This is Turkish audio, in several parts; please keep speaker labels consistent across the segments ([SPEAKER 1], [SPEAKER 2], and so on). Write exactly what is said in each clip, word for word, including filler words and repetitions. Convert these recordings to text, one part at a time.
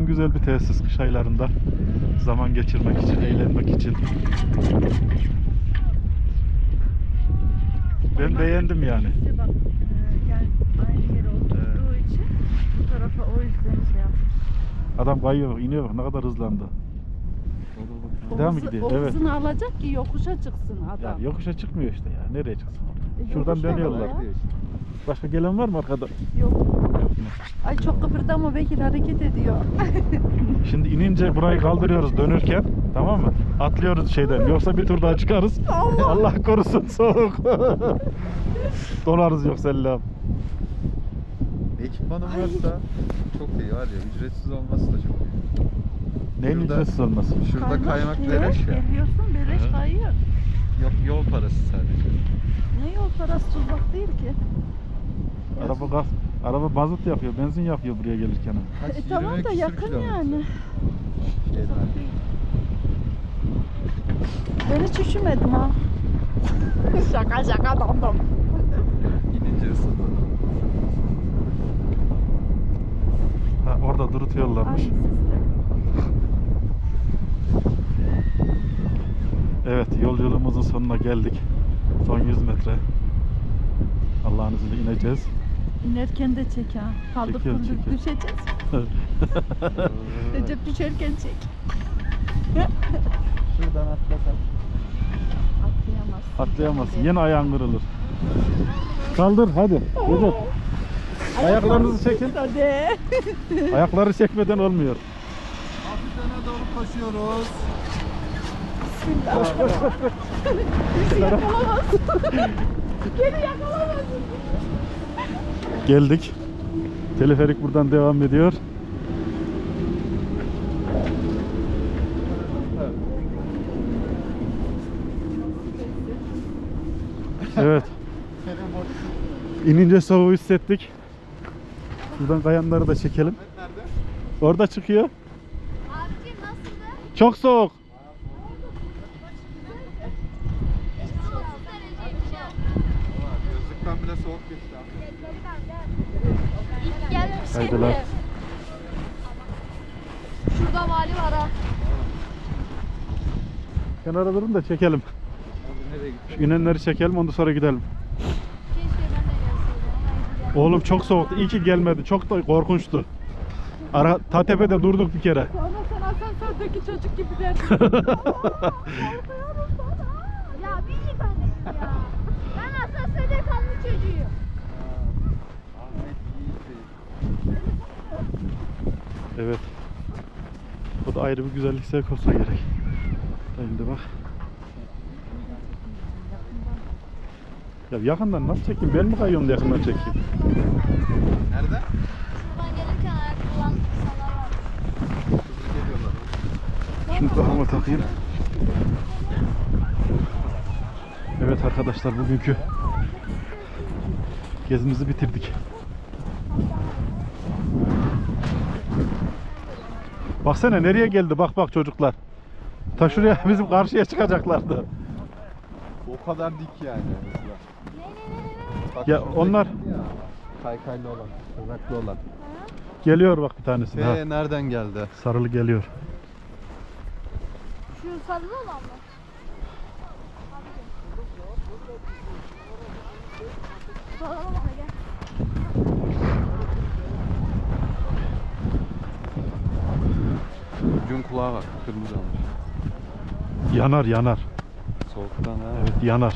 [SPEAKER 1] Gerçekten güzel bir tesis kış aylarında. Zaman geçirmek için, eğlenmek için. Ben beğendim yani.
[SPEAKER 2] İşte bak, e, yani aynı yere oturduğu için bu tarafa o yüzden şey yapmış.
[SPEAKER 1] Adam kayıyor, iniyor bak ne kadar hızlandı.
[SPEAKER 2] O,
[SPEAKER 1] Devam mı
[SPEAKER 2] hızı,
[SPEAKER 1] gidiyor?
[SPEAKER 2] o
[SPEAKER 1] Evet.
[SPEAKER 2] hızını alacak ki yokuşa çıksın adam.
[SPEAKER 1] Yani yokuşa çıkmıyor işte ya. Nereye çıksın orada?
[SPEAKER 2] E,
[SPEAKER 1] Şuradan
[SPEAKER 2] yokuş
[SPEAKER 1] dönüyorlar.
[SPEAKER 2] var ya.
[SPEAKER 1] Başka gelen var mı arkada?
[SPEAKER 2] Yok.
[SPEAKER 1] Yok mu?
[SPEAKER 2] Ay çok kıpırdama Bekir, hareket ediyor.
[SPEAKER 1] Şimdi inince burayı kaldırıyoruz dönürken. Tamam mı? Atlıyoruz şeyden. Yoksa bir tur daha çıkarız.
[SPEAKER 2] Allah!
[SPEAKER 1] Allah korusun soğuk. Donarız yoksa Allah'ım.
[SPEAKER 3] Ekipmanım varsa çok iyi var ya, ücretsiz olması da çok iyi.
[SPEAKER 1] Neyin
[SPEAKER 3] Şurada-
[SPEAKER 1] ücretsiz olması?
[SPEAKER 3] Şurada kaymak
[SPEAKER 2] niye?
[SPEAKER 3] beleş ya.
[SPEAKER 2] Geliyorsun beleş
[SPEAKER 1] Hı.
[SPEAKER 2] kayıyor.
[SPEAKER 3] Yok, yol parası sadece.
[SPEAKER 2] Ne yol parası, tuzak değil ki.
[SPEAKER 1] Araba gaz, araba mazot yakıyor, benzin yakıyor buraya gelirken.
[SPEAKER 3] Kaç,
[SPEAKER 2] E tamam
[SPEAKER 3] yirmi
[SPEAKER 2] da
[SPEAKER 3] küsür
[SPEAKER 2] yakın
[SPEAKER 3] kilometre.
[SPEAKER 2] yani.
[SPEAKER 3] Şeyden.
[SPEAKER 2] Ben hiç üşümedim ha. Şaka şaka damdım.
[SPEAKER 3] İnince ısındı.
[SPEAKER 1] Ha, orada durutuyorlarmış.
[SPEAKER 2] Aynı sistem.
[SPEAKER 1] Evet, yolculuğumuzun sonuna geldik. Son yüz metre. Allah'ın izniyle ineceğiz.
[SPEAKER 2] İnerken de çek ha. Kaldık
[SPEAKER 1] Çekiyorum,
[SPEAKER 2] kıldık
[SPEAKER 1] çekiyorum.
[SPEAKER 2] düşeceğiz. Recep düşerken çek.
[SPEAKER 3] Şuradan atlasam.
[SPEAKER 2] Atlayamazsın.
[SPEAKER 1] Atlayamazsın. Yine ayağın kırılır. Kaldır hadi. Recep. Ayaklarınızı çekin.
[SPEAKER 2] Hadi.
[SPEAKER 1] Ayakları çekmeden olmuyor.
[SPEAKER 3] Hafif öne doğru koşuyoruz.
[SPEAKER 2] Bismillah. Koş koş koş. Bizi yakalamazsın. Geri yakalamazsın.
[SPEAKER 1] Geldik. Teleferik buradan devam ediyor. Evet. İnince soğuğu hissettik. Buradan kayanları da çekelim. Orada çıkıyor.
[SPEAKER 4] Abicim nasıldı?
[SPEAKER 1] Çok soğuk.
[SPEAKER 4] otuz dereceymiş ya.
[SPEAKER 3] Gözlükten bile soğuk geçti abi.
[SPEAKER 4] İlk gelmemiş
[SPEAKER 1] Haydiler.
[SPEAKER 4] şimdi. Şurada vali var ha.
[SPEAKER 1] Kenara durun da çekelim.
[SPEAKER 3] Abi nereye gitti?
[SPEAKER 1] Şu inenleri çekelim ondan sonra gidelim.
[SPEAKER 4] Keşke ben de gelseydim. Haydi
[SPEAKER 1] Oğlum çok soğuktu. İyi ki gelmedi. Çok da korkunçtu. Ara ta tepede durduk bir kere.
[SPEAKER 2] Sonra sen asansördeki çocuk gibi derdin.
[SPEAKER 4] Ya bir iyi ben de ya. Ben asansörde kalmış çocuğuyum.
[SPEAKER 3] Ahmet Yiğit.
[SPEAKER 1] Evet. O da ayrı bir güzellik sevk olsa gerek. Şimdi bak. Ya yakından nasıl çekeyim? Ben mi kayıyorum da yakından çekeyim?
[SPEAKER 3] Nerede?
[SPEAKER 4] Şuradan gelirken ayak kullanan insanlar var.
[SPEAKER 3] Hızlı geliyorlar.
[SPEAKER 1] Şunu kafama takayım. Evet arkadaşlar bugünkü gezimizi bitirdik. Baksana nereye geldi bak bak çocuklar. Ta şuraya bizim karşıya çıkacaklardı.
[SPEAKER 3] O kadar dik yani mesela. Bak
[SPEAKER 1] Ya
[SPEAKER 3] şurada
[SPEAKER 1] onlar-
[SPEAKER 3] gitti ya. Kaykaylı olan, tırnaklı olan.
[SPEAKER 1] Geliyor bak bir tanesi. Ha,
[SPEAKER 3] Ee, nereden geldi?
[SPEAKER 1] sarılı geliyor.
[SPEAKER 4] Şu sarılı olan mı? Sarılı olan gel.
[SPEAKER 3] Ucun kulağa bak, kırmızı olmuş.
[SPEAKER 1] Yanar yanar.
[SPEAKER 3] Soğuktan ha.
[SPEAKER 1] Evet yanar.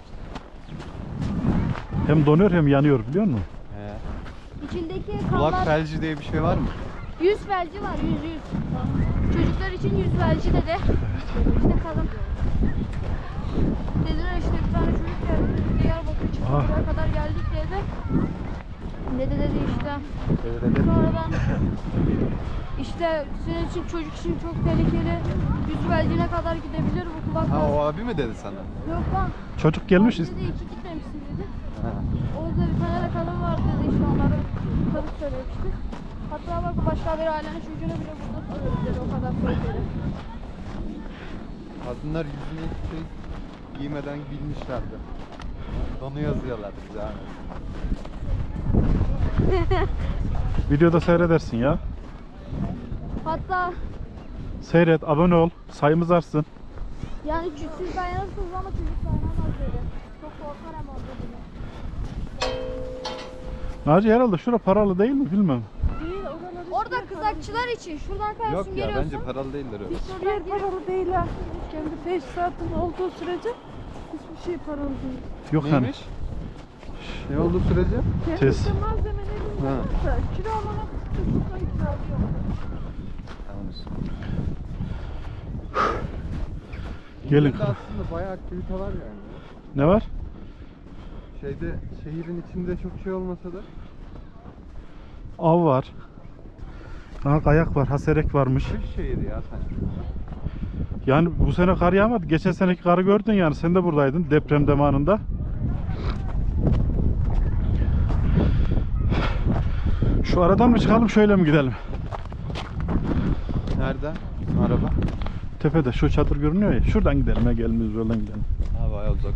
[SPEAKER 1] Hem donuyor hem yanıyor biliyor musun?
[SPEAKER 3] He.
[SPEAKER 4] İçindeki
[SPEAKER 3] Kulak
[SPEAKER 4] kanlar,
[SPEAKER 3] felci diye bir şey var mı?
[SPEAKER 4] yüz felci var, yüz yüz. Çocuklar için yüz felci dedi. İşte kadın. Dediler işte bir tane çocuk geldi. Diyarbakır çıktı,
[SPEAKER 1] Ah.
[SPEAKER 4] buraya kadar geldik dedi. Dede dedi işte.
[SPEAKER 3] Öyle
[SPEAKER 4] Sonradan işte senin için çocuk için çok tehlikeli. Yüz felcine kadar gidebilir bu kulak.
[SPEAKER 3] Ha, o abi mi dedi sana?
[SPEAKER 4] Yok lan.
[SPEAKER 1] Çocuk gelmiş.
[SPEAKER 4] Dedi iki gitmemişsin dedi.
[SPEAKER 3] Ha.
[SPEAKER 4] Orada bir tane de kadın vardı dedi işte onları kadın söylemişti. Hatta bak başka bir ailenin çocuğunu bile burada tutuyoruz dedi, o kadar tehlikeli.
[SPEAKER 3] Kadınlar yüzüne hiçbir şey giymeden bilmişlerdi. Onu yazıyorlar bize abi.
[SPEAKER 1] Videoda seyredersin ya.
[SPEAKER 4] Hatta
[SPEAKER 1] Seyret, abone ol, sayımız artsın.
[SPEAKER 4] yani çü- siz dayanırsınız ama çocuk dayanamaz dedi. Çok korkar hem orada dedi.
[SPEAKER 1] Naci herhalde şura paralı değil mi bilmem.
[SPEAKER 2] Değil, oralar
[SPEAKER 4] Orada kızakçılar için şuradan kayıyorsun
[SPEAKER 3] Yok ya
[SPEAKER 4] geliyorsun.
[SPEAKER 3] bence paralı değildir öyle.
[SPEAKER 2] hiçbir yer paralı değil ha. Kendi teşkilatın olduğu sürece hiçbir şey paralı değil.
[SPEAKER 1] Yok hani.
[SPEAKER 3] Neymiş? Ne oldu sürece?
[SPEAKER 1] Tez.
[SPEAKER 2] Kendisi malzemelerin
[SPEAKER 3] Ha.
[SPEAKER 2] varsa kilo olarak tutukla itirazı yok.
[SPEAKER 1] Gelin.
[SPEAKER 3] İzmir'de aslında bayağı aktivite var yani.
[SPEAKER 1] Ne var?
[SPEAKER 3] Şeyde şehrin içinde çok şey olmasa da
[SPEAKER 1] Av var. Daha kayak var, haserek varmış.
[SPEAKER 3] kış şehri ya sanki.
[SPEAKER 1] Yani bu sene kar yağmadı. Geçen seneki karı gördün yani. Sen de buradaydın deprem zamanında. Şu aradan mı çıkalım şöyle mi gidelim?
[SPEAKER 3] Nerede? Araba.
[SPEAKER 1] Tepede şu çadır görünüyor ya. Şuradan gidelim ya, gelmiyoruz yoldan gidelim.
[SPEAKER 3] Ha bayağı uzak.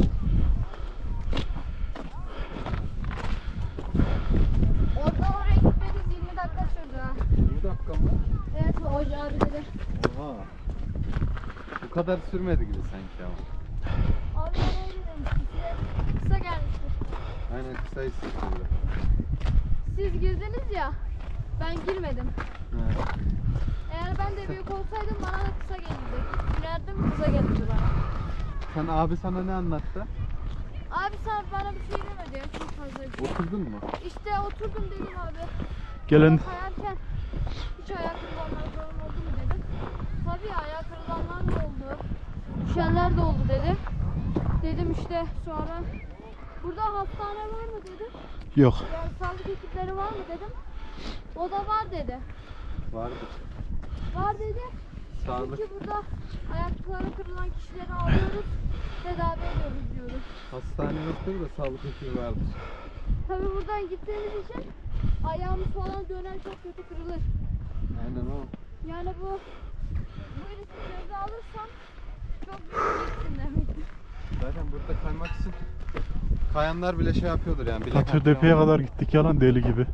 [SPEAKER 4] Oradan oraya gitmediğimiz yirmi dakika sürdü ha.
[SPEAKER 3] yirmi dakika mı?
[SPEAKER 4] Evet hoca abi dedi.
[SPEAKER 3] Oha. Bu kadar sürmedi gibi sanki ama.
[SPEAKER 4] Abi ben öyle demiştim size. Kısa gelmiştir.
[SPEAKER 3] Aynen kısa hissettirdi.
[SPEAKER 4] Siz girdiniz ya. Ben girmedim.
[SPEAKER 3] Evet.
[SPEAKER 4] Eğer ben de büyük olsaydım bana da kısa gelirdi. Girerdim kısa gelirdi bana.
[SPEAKER 3] Sen abi sana ne anlattı?
[SPEAKER 4] Abi sen bana bir şey demedi ya çok fazla bir şey.
[SPEAKER 3] Oturdun mu?
[SPEAKER 4] İşte oturdum dedim abi.
[SPEAKER 1] Gelen
[SPEAKER 4] Sonra kayarken hiç ayak kırılanlar falan oldu mu dedim. Tabii ya, ayak kırılanlar da oldu. Düşenler de oldu dedi. Dedim işte sonra burada hastane var mı dedim.
[SPEAKER 1] yok.
[SPEAKER 4] Yani sağlık ekipleri var mı dedim. O da var dedi.
[SPEAKER 3] Vardı.
[SPEAKER 4] Var dedi.
[SPEAKER 3] Sağlık.
[SPEAKER 4] Çünkü burada ayakları kırılan kişileri alıyoruz. Tedavi ediyoruz diyoruz.
[SPEAKER 3] Hastane yoktur da sağlık ekibi vardır.
[SPEAKER 4] Tabii buradan gittiğimiz için ayağımız falan döner çok kötü kırılır.
[SPEAKER 3] Aynen o.
[SPEAKER 4] Yani bu bu riski göze alırsam çok büyük risksin demektir.
[SPEAKER 3] Zaten burada kaymak için kayanlar bile şey yapıyordur yani. bilek
[SPEAKER 1] Katırdepe'ye
[SPEAKER 3] antrenmanı.
[SPEAKER 1] kadar gittik yalan deli gibi.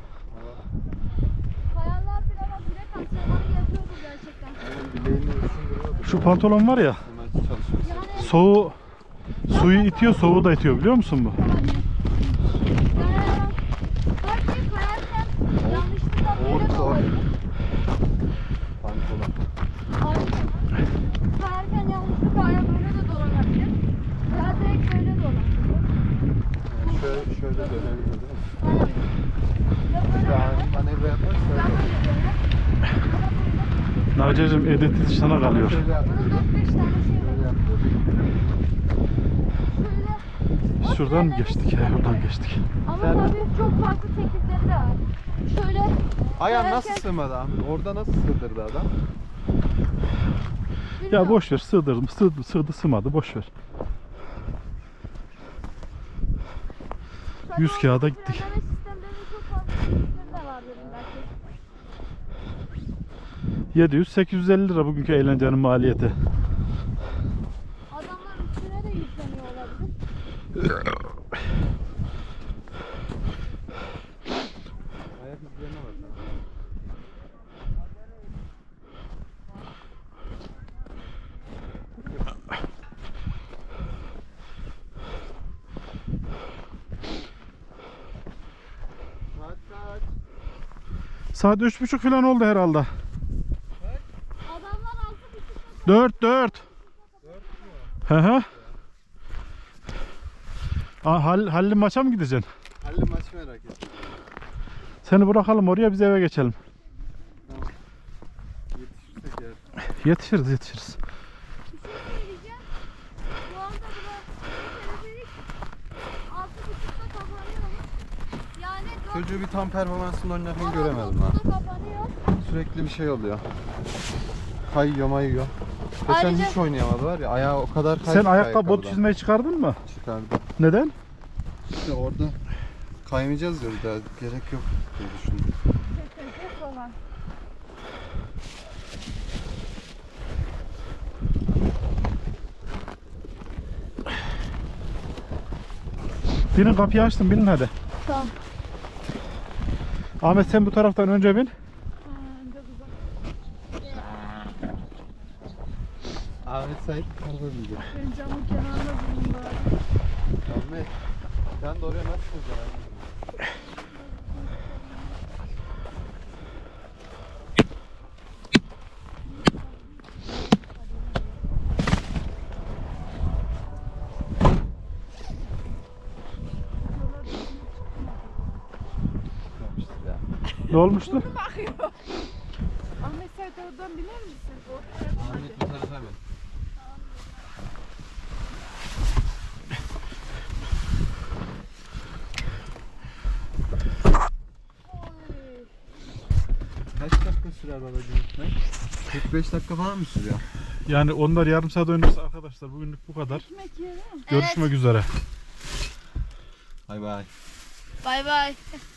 [SPEAKER 4] Kayalar bile bak bilek antrenmanı yapıyordu gerçekten.
[SPEAKER 3] Aynen bileğini ısındırıyordur.
[SPEAKER 1] Şu pantolon var ya,
[SPEAKER 3] Hemen çalışıyorsun.
[SPEAKER 4] Yani
[SPEAKER 1] soğuğu suyu itiyor, soğuğu da itiyor biliyor musun bu?
[SPEAKER 4] yani belki kayarken yanlışlıkla böyle de
[SPEAKER 3] Oğuz,
[SPEAKER 4] olabilir.
[SPEAKER 3] Pantolon.
[SPEAKER 4] Abi, kayarken yanlışlıkla ayağı böyle de dolanabilir. Ya direkt böyle dolanabilir.
[SPEAKER 3] Yani şöyle, şöyle dönebiliyor değil mi?
[SPEAKER 4] Aynen. Ya böyle
[SPEAKER 3] Yani
[SPEAKER 4] döner,
[SPEAKER 3] manevra yaparsa
[SPEAKER 4] ya
[SPEAKER 3] öyle.
[SPEAKER 4] böyle döner.
[SPEAKER 1] Nacicim edeti sana kalıyor.
[SPEAKER 3] Şöyle yap-
[SPEAKER 4] Bunun dört beş tane şey
[SPEAKER 3] şöyle
[SPEAKER 4] var.
[SPEAKER 3] yapıyor.
[SPEAKER 4] Şöyle.
[SPEAKER 1] Şuradan mı geçtik ya? Buradan geçtik.
[SPEAKER 4] Ama
[SPEAKER 3] Sen-
[SPEAKER 4] tabii çok farklı teknikleri de var. Şöyle.
[SPEAKER 3] Ayağın nasıl
[SPEAKER 4] kayarken-
[SPEAKER 3] sığmadı Ahmet? Orada nasıl sığdırdı adam?
[SPEAKER 1] Ya
[SPEAKER 4] Bilmiyorum.
[SPEAKER 1] boş ver, sığdırdım, sığdı, sığdı, sığmadı, boş ver.
[SPEAKER 4] Tabii
[SPEAKER 1] yüz
[SPEAKER 4] onun
[SPEAKER 1] kağıda gittik.
[SPEAKER 4] frenleme sistemlerinin çok farklı teknikleri de var dedim belki.
[SPEAKER 1] yedi yüz sekiz yüz elli lira bugünkü eğlencenin maliyeti.
[SPEAKER 4] Adamlar üstüne de yükleniyor olabilir.
[SPEAKER 3] Ayak izlerine bak. Saat kaç?
[SPEAKER 1] Saat üç buçuk falan oldu herhalde.
[SPEAKER 4] Adamlar altı buçukta
[SPEAKER 1] Dört, dört. Hı hı. Aa, Hal, Halil maça mı gideceksin?
[SPEAKER 3] Halil maç merak ettim.
[SPEAKER 1] Seni bırakalım oraya, biz eve geçelim.
[SPEAKER 3] Tamam. Yetişirsek eğer.
[SPEAKER 1] Yetişiriz, yetişiriz.
[SPEAKER 4] söyleyeceğim. Bu anda bura teleferik altı buçukta kapanıyormuş. Yani dört
[SPEAKER 3] Çocuğu bir tam performansında oynarken
[SPEAKER 4] ama
[SPEAKER 3] göremedim ha.
[SPEAKER 4] dokuzda kapanıyor.
[SPEAKER 3] Sürekli bir şey oluyor. Kayıyor mayıyor. Geçen
[SPEAKER 4] Ayrıca-
[SPEAKER 3] hiç oynayamadı var ya, ayağı o kadar kaydı
[SPEAKER 1] Sen
[SPEAKER 3] ki
[SPEAKER 1] ayakkabı, bot
[SPEAKER 3] ayakkabıdan.
[SPEAKER 1] çizmeyi çıkardın mı?
[SPEAKER 3] Çıkardı.
[SPEAKER 1] Neden?
[SPEAKER 3] İşte orada kaymayacağız ya, bir daha gerek yok diye düşündüm.
[SPEAKER 4] Yok olan.
[SPEAKER 1] Binin, kapıyı açtım, binin hadi.
[SPEAKER 4] Tamam.
[SPEAKER 1] Ahmet sen bu taraftan önce bin.
[SPEAKER 2] Ha, önce güzel.
[SPEAKER 3] Ahmet Sait araba binecek.
[SPEAKER 2] Ben camın kenarında durayım bari.
[SPEAKER 3] Ahmet sen de oraya nasıl çıkacaksın? Çıkmamıştır ya.
[SPEAKER 1] Ne olmuştu?
[SPEAKER 2] Bakıyor. Ahmet Sait oradan biner misin? Ortaya
[SPEAKER 3] Ahmet bu tarafa bin. Kaç dakika sürer babacığım gitmek? kırk beş dakika falan mı sürüyor?
[SPEAKER 1] Yani onlar yarım saat oynarsa arkadaşlar bugünlük bu kadar.
[SPEAKER 2] ekmek yiyelim.
[SPEAKER 1] Görüşmek üzere.
[SPEAKER 3] Bay bay.
[SPEAKER 4] Bay bay.